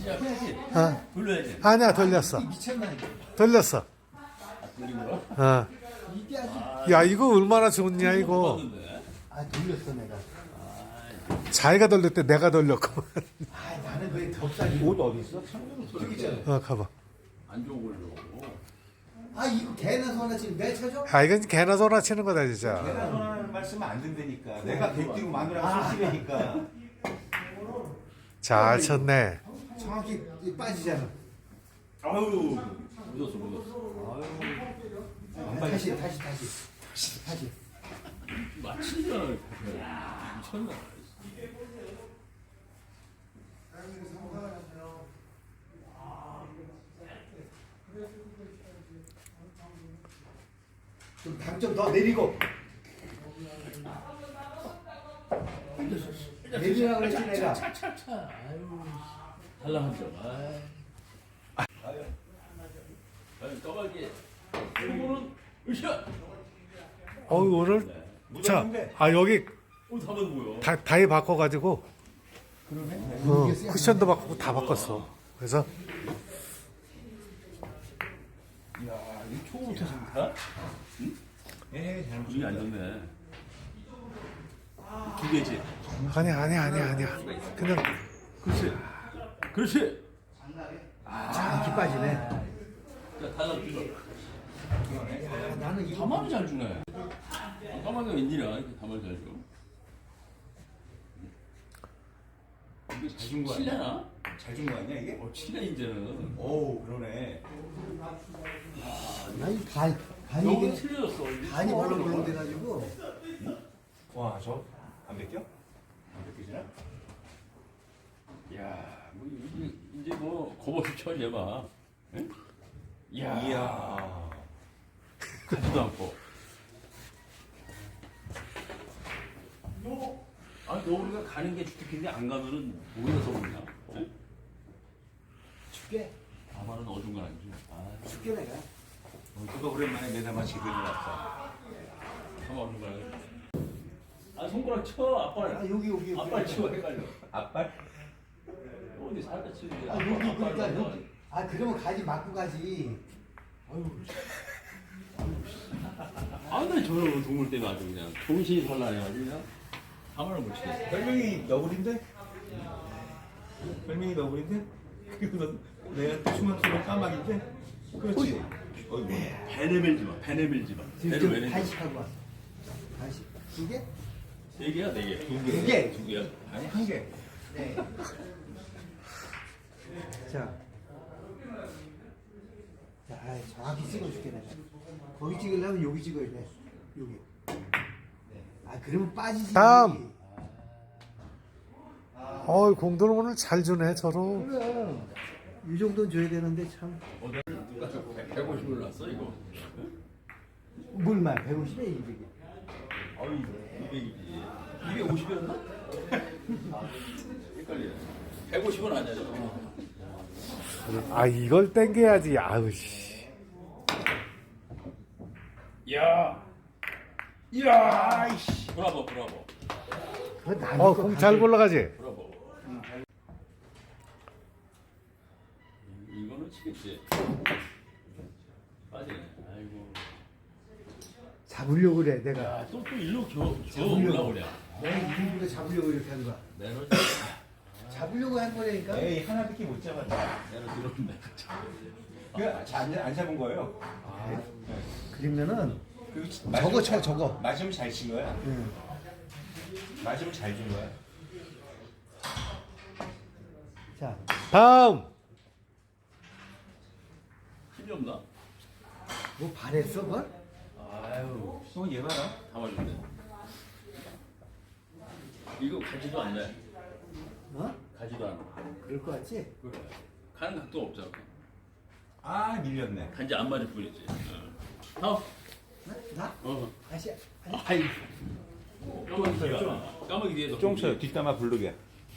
시작해야지. 어. 돌려야지. 아니야, 돌렸어. 미쳤나 이거. 돌렸어. 돌린 거야? 어. 이게 아주. 야, 이거 얼마나 좋냐, 이거. 봤는데. 아 돌렸어 내가. 자기가 돌렸대, 내가 돌렸고. 아 나는 왜 덥살이. 옷 어디 있어? 저기 있잖아. 가봐. 안 좋은 걸로. 아 이거 개나 소나 지금 내 쳐줘? 아, 이건 개나 소나 치는 거다, 진짜. 내가 전하는 말씀은 안 된다니까. 내가 객띄고 마누라가 술집이니까. 잘 쳤네. 정확히 빠지잖아. 아유, 묻었어. 아유, 다시. 마치잖아. 미쳤나. 좀 당점 더 내리고. 내리라고 그랬지 내가. 차차차. 아유, 달라한 점. 아유, 까마귀. 이거는 으쌰. 오늘. 자, 묻었는데. 여기 다만 뭐야? 다이 바꿔가지고. 그러네. 쿠션도 바꾸고 다 바꿨어. 그래서 야, 이 초부터 좋다. 예, 잘 이게 안 좋네. 두 개지. 아니야. 그냥 그렇지. 정확히 빠지네. 자, 달라 주죠. 아, 나는 이거 가만히 잘 주네. 까마귀가 웬일이야? 이렇게 가만히 잘 줘. 이게 잘 준 거 아니야? 칠레나? 잘 준 거 아니야 이게? 칠레 이제는. 오, 그러네. 아니 간이 너무 틀려졌어. 간이 벌렁벌렁 돼가지고. 와, 저 안 벗겨? 안 벗기지나? 야, 뭐 이제 뭐 겁없이 쳐 얘봐. 응? 이야. 가지도 않고. 아니 너 우리가 가는 게 주특기인데 안 가면은 오히려 더 그러냐? 응? 죽게. 아마는 어중간한지. 아, 죽게 내가. 누가 오랜만에 내담아 제대로 왔어. 아마 어중간해. 아 손가락 쳐 아빠. 아 여기. 아빠 쳐 헷갈려. 앞발? 어디 살다 치는 게. 아 여기 그러니까 여기. 아 그러면 가지 맞고 가지. 아, 나 저런 동물 때문에 아주 그냥 정신이 산란해가지고 그냥 가만을 못 치겠어. 별명이 너구리인데? 별명이 너구리인데? 그리고 내가 춤한투는 까마귀인데? 그렇지. 어이구. 배 내밀지 마. 배 내밀지 마. 배를 왜 지금 내밀지 간식하고 왔어. 간식 두 개? 세 개야, 네 개? 두 개. 두 개야? 아니, 한 개. 네. 자, 정확히 찍어줄게 내가. 거기 찍으려면 여기 찍어야 돼. 여기. 아 그러면 빠지지. 다음. 공도는 오늘 잘 주네, 서로. 그래. 이 정도는 줘야 되는데 참. 누가 150을 놨어, 이거? 물만 150에 200에. 아유, 200이지. 250이었나? 헷갈리네. 150은 아니야, 저거. 이걸 땡겨야지. 아우, 씨. 야! 이야! 브라보. 그거 나는 공 잘 굴러가지? 브라보. 이거는 치겠지. 빠지네. 아이고. 잡으려고 그래 내가. 야, 또 일로 겨 올라오냐. 내가 이분도 잡으려고 이렇게 한 거야. 내로 잡으려고 한 거라니까. 에이, 하나밖에 못 잡았다. 들어온다. 안 잡은 거예요. 그러면은 그리고 저거 쳐 저거. 맞으면 잘 친 거야. 응. 맞으면 잘 준 거야. 자, 다음. 힘이 없나? 뭐 바랬어 뭘? 아유, 얘 봐라. 다 맞았네. 이거 가지도 않네. 어? 가지도 않아. 그럴 것 같지? 그래. 가는 각도 없잖아. 아, 밀렸네. 단지 안 맞을 뿐이지. 다음. 나? 다시. 아이. 까마귀 뒤에. 까마귀 뒤에. 쫑쳐요. 뒷담화 부르게.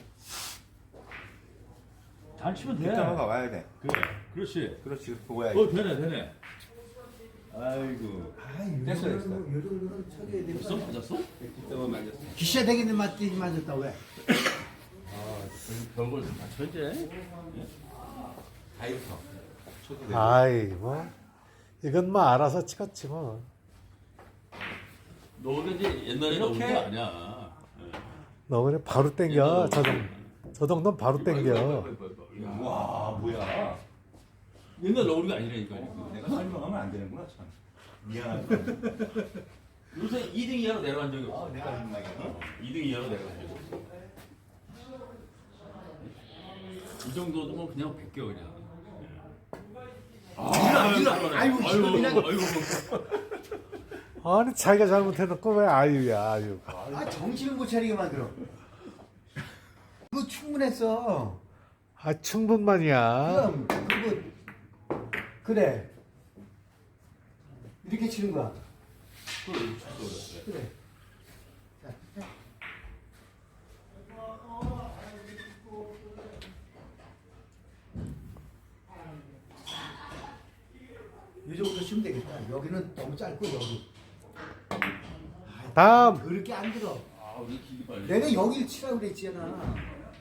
잘 치면 돼. 뒷담화가 와야 돼. 그래. 그렇지. 그렇지. 그거 와야 되네. 아이고. 아, 요 됐어, 됐어. 정도는 쳐줘야 되는 거 벌써 아니야? 맞았어? 뒷담화 맞았어. 기셔 되겠는 맞지 맞았다 왜? 별걸 다 천재. 다이어터. 저도 내. 아이 뭐 이건 뭐 알아서 찍었지 뭐. 너도 이제 옛날에 넣은 거 이렇게? 아니야. 너 그냥 바로 땡겨. 저 정도는 바로 땡겨. 와 뭐야. 옛날 넣은 게 아니라니까. 내가 설명하면 안 되는구나 참. 미안하다. 요새 2등 이하로 내려간 적이 없어. 내가 민망해. 2등 이하로 내려간 적이 없어. 이 정도면 그냥 베껴 그냥. 아이고, 아니 자기가 잘못해놓고 왜 아유야 아유. 아 정신을 못 차리게 만들어. 그거 충분했어. 아 충분만이야. 그럼 그거 그래. 이렇게 치는 거야. 그래. 자, 이 정도 치면 되겠다. 여기는 너무 짧고 여기. 다음. 그렇게 안 들어. 아, 우리 길이 빨리. 내가 여기를 치라고 그랬잖아.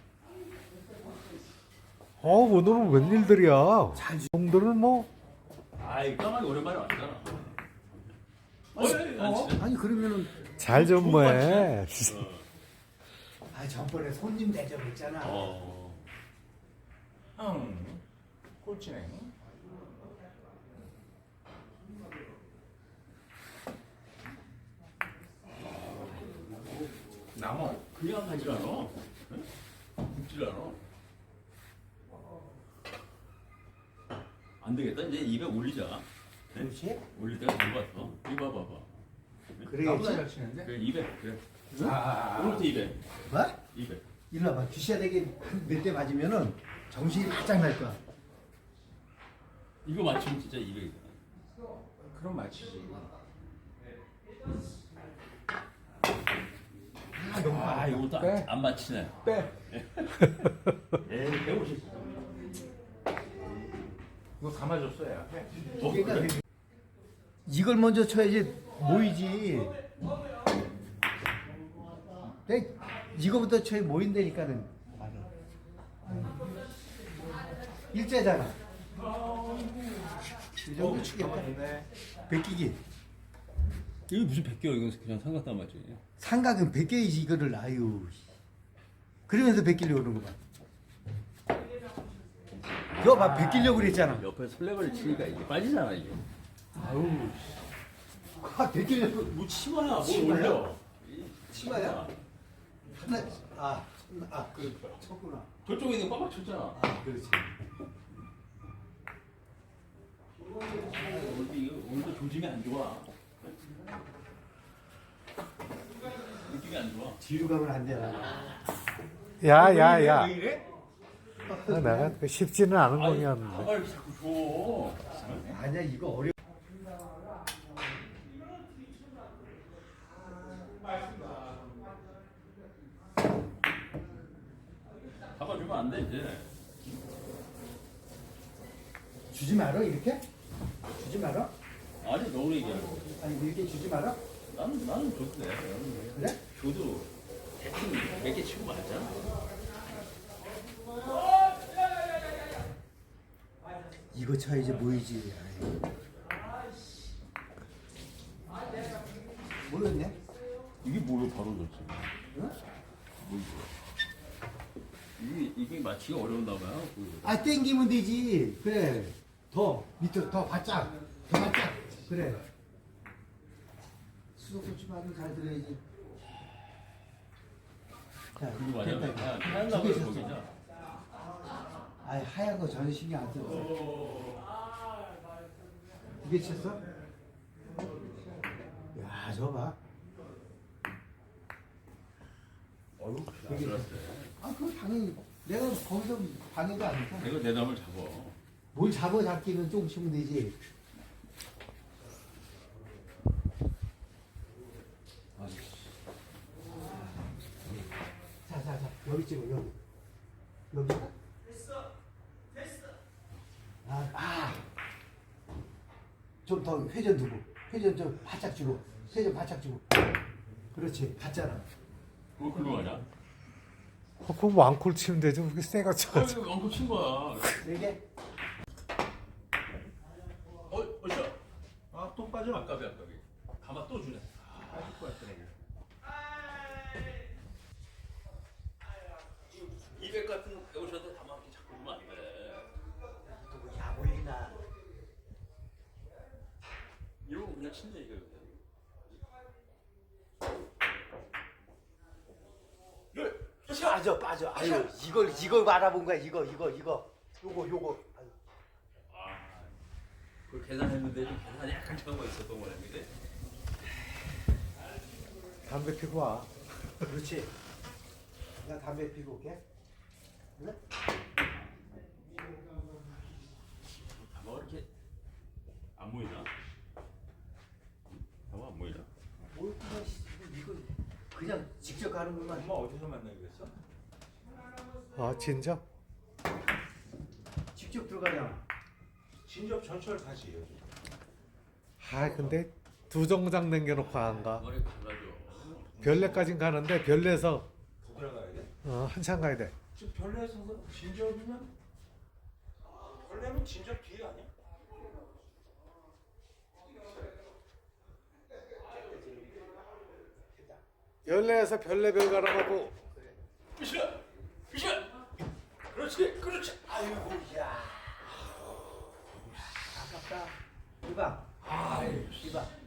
오늘은 웬일들이야. 공들은 뭐. 아이, 까마귀 오랜만에 왔잖아. 안 치네. 아니 그러면은 잘 좀 뭐해. 아 전번에 손님 대접했잖아. 꼴찌네. 나무. 그냥 가질 않아. 굽질 않아. 안 되겠다. 이제 200 올리자. 그렇지? 올릴 때가 된 것 같아. 이거 봐봐. 나보다 그래야지. 잘 치는데? 그래, 200. 그래. 아. 오늘부터 200. 뭐? 200. 일로 와봐. 귀시야되게 몇 대 맞으면은 정신이 바짝 날 거야. 이거 맞추면 진짜 200이다. 그럼 맞히지. 아, 이것도 빼. 안 맞히네. 빼. 에이, 150. 이거 감아줬어 야. 그러니까 이걸 먼저 쳐야지 모이지. 이거부터 쳐야 모인다니까는. 일자잖아. 이 정도 치겠다. 베끼기. 이거 무슨 100개야? 이건 그냥 삼각 다 맞지. 삼각은 베껴야지 이거를. 아유. 그러면서 베끼려고 그러는 거 봐. 이거 봐, 베끼려고 그랬잖아. 옆에 설레발을 치니까 이게 빠지잖아, 이게. 아우. 아, 베끼려고. 뭐 치마야, 뭘 치마야? 올려. 치마야? 하나, 그, 쳤구나. 저쪽에 있는 거 빡빡 쳤잖아. 아, 그렇지. 오늘도 조짐이 안 좋아. 느낌이 안 좋아. 뒤로 가면 안 되나. 야야야. 왜 이래? 내가 그 쉽지는 않은 공이었는데. 가발 자꾸 줘. 아니야, 이거 어려. 가발 주면 안 돼, 이제. 주지 말어, 이렇게? 주지 말어? 아니, 너무 얘기하고. 아니, 이렇게 주지 말어? 나는 줘도 돼. 그래? 줘도 대충 몇 개 치고 말자. 이거 쳐야지 모이지. 모르겠네? 이게 뭐로 바로 줬지? 응? 이게 맞히기 어려운가 봐요. 아, 땡기면 되지. 그래. 더, 밑으로, 더 바짝. 더 바짝. 그래. 수도꼭지 말은 잘 들어야지. 자, 그리고 맞아. 됐다. 하얀 두 가발 개 쳤어. 거기자. 아니, 하얀 거 전혀 신경 안 써. 두개 쳤어? 야, 저거 봐. 어휴, 되게 아, 그건 당연히 내가 거기서 방해도 안 해. 내가 내 담을 잡어. 뭘 잡기는 조금 치면 되지. 자, 여기 찍어, 여기. 여기. 좀 더 회전 두고, 회전 좀 바짝 주고, 회전 바짝 주고. 그렇지, 갔잖아. 그거 글로 가냐? 그럼 왕콜 치면 되지. 그렇게 세가 쳐가지고. 이거 왕코 친 거야. 4개? 어디야? 아또 빠져. 아까비. 가마 또 주네. 빠질 것 같더라고. 200 같은 150한테 가마 이렇게 자꾸 주면 안 돼. 누구 야구했나? 이러고 그냥 친다 이거. 빠져. 아유, 이걸 바라본 거야. 이거. 요거. 아유. 그 계산했는데 좀 계산이 약간 차이가 있었던 거네, 근데. 담배 피고 와. 그렇지. 나 담배 피고 올게. 그래? 가마가 이렇게 안 보이나? 가마 안 보이나? 뭘 이거 그냥 직접 가는구만. 엄마 어디서 만나기로 했어? 아 진짜? 직접 들어가잖아. 진접 전철 다시 요즘. 아 근데 두 정장 남겨놓고 안 가. 머리 갈라져. 별내까진 가는데 별내에서 더 들어가야 돼? 한참 가야 돼. 지금 별내에서 진접이면 별내면 진접 뒤에 아니야? 별내에서 별내별 가라고. 으쌰! 그렇지. 아이고, 야. 아깝다. 이봐. 아이, 이봐.